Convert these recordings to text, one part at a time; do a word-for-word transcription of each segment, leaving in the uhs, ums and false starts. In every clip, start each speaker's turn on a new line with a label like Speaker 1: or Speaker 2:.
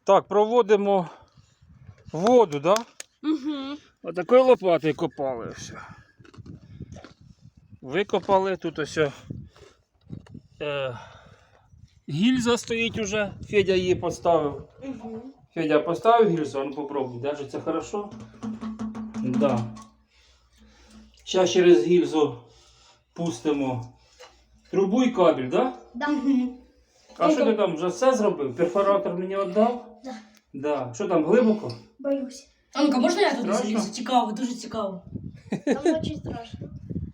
Speaker 1: Так, проводимо воду, так? Да?
Speaker 2: Угу.
Speaker 1: Отакою лопатою копали все. Викопали, тут ось е, гільза стоїть уже, Федя її поставив.
Speaker 2: Угу.
Speaker 1: Федя поставив гільзу, а ну попробуй, держиться хорошо? Да. Зараз через гільзу пустимо трубу і кабель, да?
Speaker 2: Да.
Speaker 1: А що ти там вже все зробив? Перфоратор мені віддав?
Speaker 2: Да.
Speaker 1: Да. Що там, глибоко?
Speaker 2: Боюсь.
Speaker 3: А ну-ка, можна я туди
Speaker 1: Страшно?
Speaker 3: залізу? Цікаво, дуже цікаво.
Speaker 2: Там очень страшно.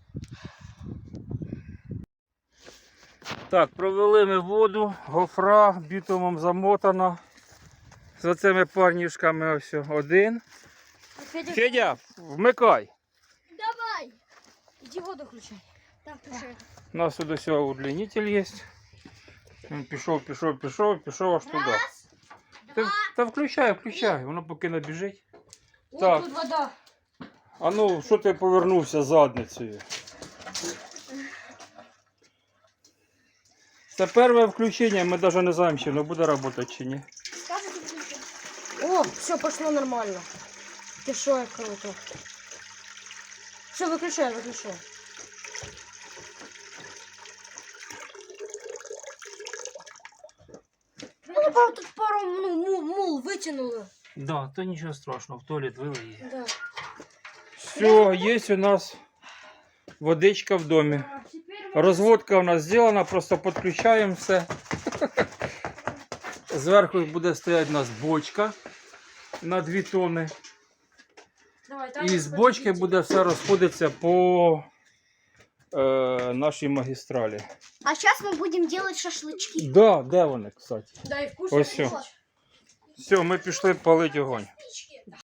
Speaker 1: Так, провели ми воду, гофра бітумом замотана. За цими парнішками ось один.
Speaker 2: Федя,
Speaker 1: Федя, вмикай.
Speaker 2: давай. Иди воду включай. Так, включай.
Speaker 1: У нас тут ось удлінитель є. Він пішов, пішов, пішов, пішов аж туди. Та, та включай, включай, воно поки не біжить.
Speaker 2: О,
Speaker 1: Так.
Speaker 2: тут вода.
Speaker 1: А ну, що ти повернувся задницею? Це перше включення, ми навіть не знаємо, чи воно буде працювати чи ні.
Speaker 2: О, все, пошло нормально. Ты шо, як круто. Все, выключай, выключай. Ну, пару, тут пару ну, мул, мул вытянуло.
Speaker 1: Да, то нічого страшного, в туалет вилиє.
Speaker 2: Да.
Speaker 1: Все, є у нас водичка в домі. Розводка у нас зроблена, просто підключаємо все. Зверху буде стояти у нас бочка на дві тонни.
Speaker 2: Давай, там
Speaker 1: І з бочки буде все розходитися по е, нашій магістралі.
Speaker 4: А сейчас мы будем делать шашлычки.
Speaker 1: Да, де вони, кстати?
Speaker 2: Да, и вкусно.
Speaker 1: Ось все. Все, ми пішли палити огонь.